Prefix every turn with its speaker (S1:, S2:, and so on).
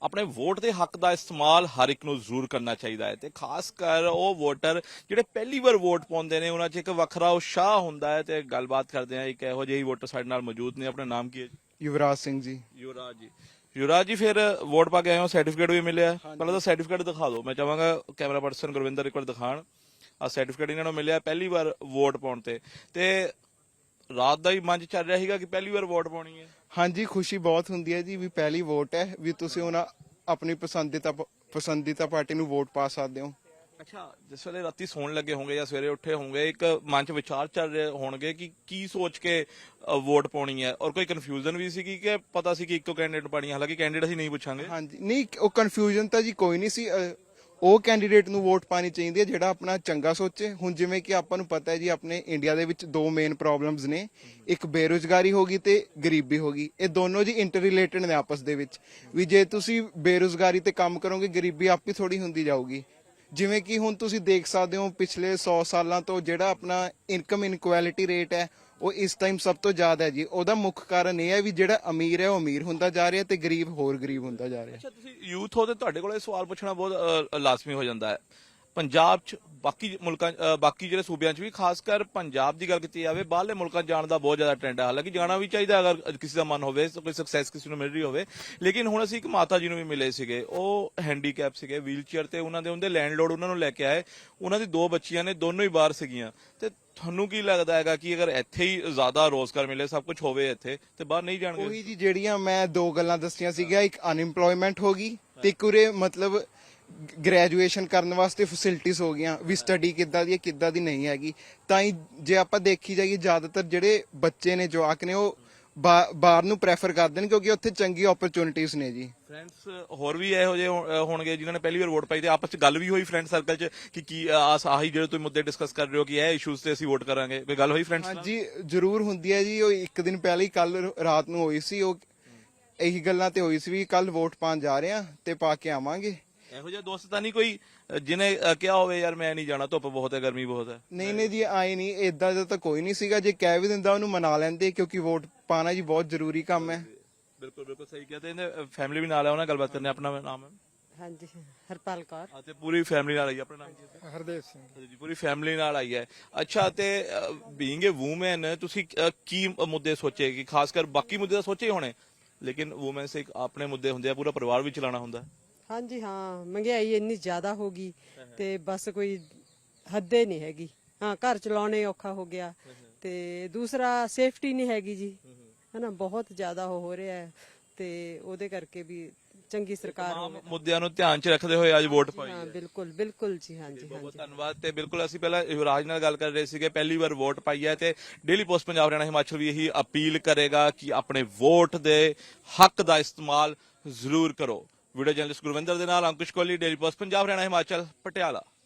S1: ਆਪਣੇ ਵੋਟ ਦੇ ਹੱਕ ਦਾ ਇਸਤੇਮਾਲ ਹਰ ਇੱਕ ਨੂੰ ਜ਼ਰੂਰ ਕਰਨਾ ਚਾਹੀਦਾ ਹੈ ਤੇ ਖਾਸ ਕਰ ਉਹ ਵੋਟਰ ਜਿਹੜੇ ਪਹਿਲੀ ਵਾਰ ਵੋਟ ਪਾਉਂਦੇ ਨੇ ਉਹਨਾਂ 'ਚ ਇੱਕ ਵੱਖਰਾ ਉਤਸ਼ਾਹ ਹੁੰਦਾ ਹੈ। ਤੇ ਗੱਲਬਾਤ ਕਰਦੇ ਆ ਇੱਕ ਇਹੋ ਜਿਹੀ ਵੋਟਰ ਸਾਡੇ ਨਾਲ ਮੌਜੂਦ ਨੇ। ਆਪਣਾ ਨਾਮ ਕੀ ਹੈ?
S2: युवराज सिंह जी।
S1: ਯੁਵਰਾਜ ਜੀ। ਯੁਵਰਾਜ ਜੀ, ਫਿਰ ਵੋਟ ਪਾ ਕੇ ਆਏ ਹੋ, ਸਰਟੀਫਿਕੇਟ ਵੀ ਮਿਲਿਆ? ਪਹਿਲਾਂ ਤਾਂ ਸਰਟੀਫਿਕੇਟ ਦਿਖਾ ਦਿਓ। ਮੈਂ ਚਾਹਾਂਗਾ ਕੈਮਰਾ ਪਰਸਨ ਗੁਰਵਿੰਦਰ ਇੱਕ ਵਾਰ ਦਿਖਾਣ। ਆ ਸਰਟੀਫਿਕੇਟ ਇਹਨਾਂ ਨੂੰ ਮਿਲਿਆ ਪਹਿਲੀ ਵਾਰ ਵੋਟ ਪਾਉਣ ਤੇ ਰਾਤ ਦਾ ਹੀ ਮਨ 'ਚ ਚੱਲ ਰਿਹਾ ਸੀਗਾ ਕਿ ਪਹਿਲੀ ਵਾਰ ਵੋਟ ਪਾਉਣੀ ਹੈ।
S2: हाँ जी, खुशी बहुत ਹੁੰਦੀ ਹੈ ਜੀ ਵੀ ਪਹਿਲੀ ਵੋਟ ਹੈ ਵੀ ਤੁਸੀਂ ਉਹਨਾਂ ਆਪਣੀ ਪਸੰਦੀਦਾ ਪਾਰਟੀ ਨੂੰ ਵੋਟ ਪਾ ਸਕਦੇ ਹੋ।
S1: ਅੱਛਾ, ਜਿਸ ਵੇਲੇ ਰਾਤੀ ਸੌਣ ਲੱਗੇ ਹੋਣਗੇ ਜਾਂ ਸਵੇਰੇ ਉੱਠੇ ਹੋਣਗੇ, ਇੱਕ ਮਨ 'ਚ ਵਿਚਾਰ ਚੱਲ ਰਹੇ ਹੋਣਗੇ ਕਿ ਕੀ ਸੋਚ ਕੇ ਵੋਟ ਪਾਉਣੀ ਹੈ, ਔਰ ਕੋਈ ਕਨਫਿਊਜ਼ਨ ਵੀ ਸੀ ਕਿ ਪਤਾ ਸੀ ਕਿ ਇੱਕੋ ਕੈਂਡੀਡੇਟ ਪਾਣੀ ਹੈ? ਹਾਲਾਂਕਿ ਕੈਂਡੀਡੇਟ ਅਸੀਂ ਨਹੀਂ ਪੁੱਛਾਂਗੇ।
S2: ਹਾਂਜੀ, ਨਹੀਂ ਉਹ ਕਨਫਿਊਜ਼ਨ ਤਾਂ ਜੀ ਕੋਈ ਨਹੀਂ ਸੀ। ਉਹ ਕੈਂਡੀਡੇਟ ਨੂੰ ਵੋਟ ਪਾਣੀ ਚਾਹੀਦੀ ਹੈ ਜਿਹੜਾ ਆਪਣਾ ਚੰਗਾ ਸੋਚੇ। ਹੁਣ ਜਿਵੇਂ ਕਿ ਆਪਾਂ ਨੂੰ ਪਤਾ ਹੈ ਜੀ ਆਪਣੇ ਇੰਡੀਆ ਦੇ ਵਿੱਚ ਦੋ ਮੇਨ ਪ੍ਰੋਬਲਮਸ ਨੇ, ਇੱਕ ਬੇਰੁਜ਼ਗਾਰੀ ਹੋ ਗਈ ਤੇ ਗਰੀਬੀ ਹੋ ਗਈ। ਇਹ ਦੋਨੋਂ ਜੀ ਇੰਟਰ ਰਿਲੇਟਡ ਨੇ ਆਪਸ ਦੇ ਵਿੱਚ। ਵੀ ਜੇ ਤੁਸੀਂ ਬੇਰੁਜ਼ਗਾਰੀ ਤੇ ਕੰਮ ਕਰੋਗੇ ਗਰੀਬੀ ਆਪੇ ਥੋੜੀ ਹੁੰਦੀ ਜਾਊਗੀ। ਜਿਵੇਂ ਕਿ ਹੁਣ ਤੁਸੀਂ ਦੇਖ ਸਕਦੇ ਹੋ ਪਿਛਲੇ 100 ਸਾਲਾਂ ਤੋਂ ਜਿਹੜਾ ਆਪਣਾ ਇਨਕਮ ਇਨਕੁਐਲਿਟੀ ਰੇਟ ਹੈ ਉਹ ਇਸ ਟਾਈਮ ਸਭ ਤੋਂ ਜ਼ਿਆਦਾ ਹੈ ਜੀ। ਉਹਦਾ ਮੁੱਖ ਕਾਰਨ ਇਹ ਹੈ ਵੀ ਜਿਹੜਾ ਅਮੀਰ ਹੈ ਉਹ ਅਮੀਰ ਹੁੰਦਾ ਜਾ ਰਿਹਾ ਤੇ ਗਰੀਬ ਹੋਰ ਗਰੀਬ ਹੁੰਦਾ ਜਾ ਰਿਹਾ।
S1: ਅੱਛਾ, ਤੁਸੀਂ ਯੂਥ ਹੋ ਤੇ ਤੁਹਾਡੇ ਕੋਲ ਇਹ ਸਵਾਲ ਪੁੱਛਣਾ ਬਹੁਤ ਲਾਜ਼ਮੀ ਹੋ ਜਾਂਦਾ ਹੈ। ਪੰਜਾਬ 'ਚ ਬਾਕੀ ਜਿਹੜੇ ਸੂਬਿਆਂ 'ਚ ਵੀ, ਖਾਸ ਕਰ ਪੰਜਾਬ ਦੀ ਗੱਲ ਕੀਤੀ ਜਾਵੇ, ਬਾਹਰਲੇ ਮੁਲਕਾਂ 'ਚ ਜਾਣ ਦਾ ਬਹੁਤ ਜ਼ਿਆਦਾ ਟ੍ਰੈਂਡ ਹੈ। ਹਾਲਾਂਕਿ ਜਾਣਾ ਵੀ ਚਾਹੀਦਾ ਅਗਰ ਕਿਸੇ ਦਾ ਮਨ ਹੋਵੇ, ਕੋਈ ਸਕਸੈਸ ਕਿਸੇ ਨੂੰ ਮਿਲ ਰਹੀ ਹੋਵੇ। ਲੇਕਿਨ ਹੁਣ ਅਸੀਂ ਇੱਕ ਮਾਤਾ ਜੀ ਨੂੰ ਵੀ ਮਿਲੇ ਸੀਗੇ, ਉਹ ਹੈਂਡੀਕੈਪ ਸੀਗੇ, ਵੀਲ ਚੇਅਰ ਤੇ ਉਹਨਾਂ ਦੇ ਲੈਂਡਲੋਰਡ ਉਹਨਾਂ ਨੂੰ ਲੈ ਕੇ ਆਏ। ਉਹਨਾਂ ਦੀ 2 ਬੱਚੀਆਂ ਨੇ, ਦੋਨੋਂ ਹੀ ਬਾਹਰ ਸੀਗੀਆਂ। ਤੇ ਤੁਹਾਨੂੰ ਕੀ ਲੱਗਦਾ ਹੈਗਾ ਕਿ ਅਗਰ ਇੱਥੇ ਹੀ ਜ਼ਿਆਦਾ ਰੋਜ਼ਗਾਰ ਮਿਲੇ, ਸਭ ਕੁਝ ਹੋਵੇ ਇੱਥੇ, ਤੇ ਬਾਹਰ ਨਹੀਂ ਜਾਣਗੇ?
S2: ਉਹੀ ਜੀ ਜਿਹੜੀਆਂ ਮੈਂ 2 ਗੱਲਾਂ ਦੱਸੀਆਂ ਸੀਗੀਆਂ, ਇੱਕ ਅਨਇੰਪਲੋਇਮੈਂਟ ਹੋ ਗਈ ਤੇ ਇੱਕ ਉਰੇ ਮਤਲਬ ਗ੍ਰੈਜੂਏਸ਼ਨ ਕਰਨ ਵਾਸਤੇ ਫੈਸਿਲਿਟੀਆਂ ਹੋ ਗਈਆਂ ਵੀ ਸਟੱਡੀ ਕਿੱਦਾਂ ਦੀ ਹੈ ਕਿੱਦਾਂ ਦੀ ਨਹੀਂ ਹੈਗੀ। ਤਾਂ ਹੀ ਜੇ ਆਪਾਂ ਦੇਖੀ ਜਾਈਏ ਜ਼ਿਆਦਾਤਰ ਜਿਹੜੇ ਬੱਚੇ ਨੇ, ਜਵਾਕ ਨੇ, ਉਹ ਬਾਹਰ ਨੂੰ ਪ੍ਰੈਫਰ ਕਰਦੇ ਨੇ ਕਿਉਂਕਿ ਉੱਥੇ ਚੰਗੀ ਓਪਰਚੁਨਿਟੀਆਂ ਨੇ ਜੀ।
S1: ਫਰੈਂਡਸ ਹੋਰ ਵੀ ਇਹੋ ਜਿਹੇ ਹੋਣਗੇ ਜਿਨ੍ਹਾਂ ਨੇ ਪਹਿਲੀ ਵਾਰ ਵੋਟ ਪਾਈ ਤੇ ਆਪਸ ਚ ਗੱਲ ਵੀ ਹੋਈ ਫਰੈਂਡ ਸਰਕਲ ਚ ਕਿ ਕੀ ਆਹੀ ਜਿਹੜੇ ਤੁਸੀਂ ਮੁੱਦੇ ਡਿਸਕਸ ਕਰ ਰਹੇ ਹੋ ਕਿ ਇਹ ਇਸ਼ੂਜ਼ ਤੇ ਅਸੀਂ ਵੋਟ ਕਰਾਂਗੇ, ਕੋਈ ਗੱਲ ਹੋਈ ਫਰੈਂਡਸ ਨਾਲ?
S2: ਹਾਂਜੀ, ਜ਼ਰੂਰ ਹੁੰਦੀ ਹੈ ਜੀ। ਉਹ ਇੱਕ ਦਿਨ ਪਹਿਲਾਂ ਹੀ ਕੱਲ ਰਾਤ ਨੂੰ ਹੋਈ ਸੀ। ਉਹ ਇਹੀ ਗੱਲਾਂ ਤੇ ਹੋਈ ਸੀ ਵੀ ਕੱਲ ਵੋਟ ਪਾਣ ਜਾ ਰਹੇ ਆ ਤੇ ਪਾ ਕੇ ਆਵਾਂਗੇ।
S1: ਇਹੋ ਜਿਹਾ ਦੋਸਤ ਤਾਂ ਨਹੀਂ ਕੋਈ ਜਿਹਨੇ ਕਿਹਾ ਹੋਵੇ ਯਾਰ ਮੈਂ ਨਹੀਂ ਜਾਣਾ, ਧੁੱਪ ਬਹੁਤ ਹੈ, ਗਰਮੀ ਬਹੁਤ ਹੈ?
S2: ਨਹੀਂ ਜੀ, ਆਏ ਨਹੀਂ, ਏਦਾਂ ਦਾ ਤਾਂ ਕੋਈ ਨਹੀਂ ਸੀਗਾ। ਜੇ ਕਹਿ ਵੀ ਦਿੰਦਾ ਉਹਨੂੰ ਮਨਾ ਲੈਂਦੇ ਕਿਉਂਕਿ ਵੋਟ ਪਾਣਾ ਜੀ ਬਹੁਤ ਜ਼ਰੂਰੀ ਕੰਮ ਹੈ।
S1: ਬਿਲਕੁਲ ਸਹੀ ਕਿਹਾ। ਤੇ ਇਹਨੇ ਫੈਮਿਲੀ ਵੀ ਨਾਲ ਹੈ, ਉਹਨਾਂ ਗੱਲਬਾਤ ਕਰਨੇ। ਆਪਣਾ ਨਾਮ ਹੈ?
S3: ਹਾਂਜੀ, ਹਰਪਾਲ ਕੌਰ।
S1: ਤੇ ਪੂਰੀ ਫੈਮਿਲੀ ਨਾਲ ਆਈ ਹੈ? ਆਪਣਾ ਨਾਮ ਕੀ ਹੈ?
S2: ਹਰਦੇਵ ਸਿੰਘ
S1: ਜੀ, ਪੂਰੀ ਫੈਮਿਲੀ ਨਾਲ ਆਈ ਹੈ। ਅੱਛਾ, ਤੇ ਬੀਇੰਗ ਏ ਵੂਮਨ ਤੁਸੀਂ ਕੀ ਮੁੱਦੇ ਸੋਚੇ? ਕਿ ਖਾਸ ਕਰ ਬਾਕੀ ਮੁੱਦੇ ਤਾਂ ਸੋਚੇ ਹੋਣੇ, ਲੇਕਿਨ ਵੂਮਨ ਸੇ ਆਪਣੇ ਮੁੱਦੇ ਹੁੰਦੇ ਆ, ਪੂਰਾ ਪਰਿਵਾਰ ਵੀ ਚਲਾਉਣਾ ਹੁੰਦਾ।
S3: ਹਾਂਜੀ ਹਾਂ, ਮਹਿੰਗਾਈ ਇੰਨੀ ਜ਼ਿਆਦਾ ਹੋ ਗਈ ਤੇ ਬਸ ਕੋਈ ਹੱਦੇ ਨਹੀਂ ਹੈਗੀ। ਹਾਂ, ਘਰ ਚਲਾਉਣੇ ਔਖਾ ਹੋ ਗਿਆ ਤੇ ਦੂਸਰਾ ਸੇਫਟੀ ਨਹੀਂ ਹੈਗੀ ਜੀ, ਹਨਾ, ਬਹੁਤ ਜ਼ਿਆਦਾ ਹੋ ਰਿਹਾ ਹੈ। ਤੇ ਉਹਦੇ ਕਰਕੇ ਵੀ ਚੰਗੀ ਸਰਕਾਰ ਹੋਵੇ।
S1: ਮੁੱਦਿਆਂ ਨੂੰ ਧਿਆਨ 'ਚ ਰੱਖਦੇ ਹੋਏ ਅੱਜ ਵੋਟ ਪਾਈ।
S3: ਹਾਂ, ਬਿਲਕੁਲ ਜੀ। ਹਾਂਜੀ,
S1: ਬਹੁਤ ਧੰਨਵਾਦ। ਤੇ ਬਿਲਕੁਲ ਅਸੀਂ ਪਹਿਲਾਂ ਯੁਵਰਾਜ ਨਾਲ ਗੱਲ ਕਰ ਰਹੇ ਸੀਗੇ, ਪਹਿਲੀ ਵਾਰ ਵੋਟ ਪਾਈ ਹੈ ਤੇ ਡੇਲੀ ਪੋਸਟ ਪੰਜਾਬ ਹਰਿਆਣਾ ਹਿਮਾਚਲ ਵੀ ਇਹੀ ਅਪੀਲ ਕਰੇਗਾ ਕਿ ਆਪਣੇ ਵੋਟ ਦੇ ਹੱਕ ਦਾ ਇਸਤੇਮਾਲ ਜ਼ਰੂਰ ਕਰੋ। ਵੀਡੀਓ ਜਰਨਲਿਸਟ ਗੁਰਵਿੰਦਰ ਦੇ ਨਾਲ ਅੰਕੁਸ਼ ਕੋਹਲੀ, ਡੇਲੀ ਪੋਸਟ ਪੰਜਾਬ ਹਰਿਆਣਾ ਹਿਮਾਚਲ, ਪਟਿਆਲਾ।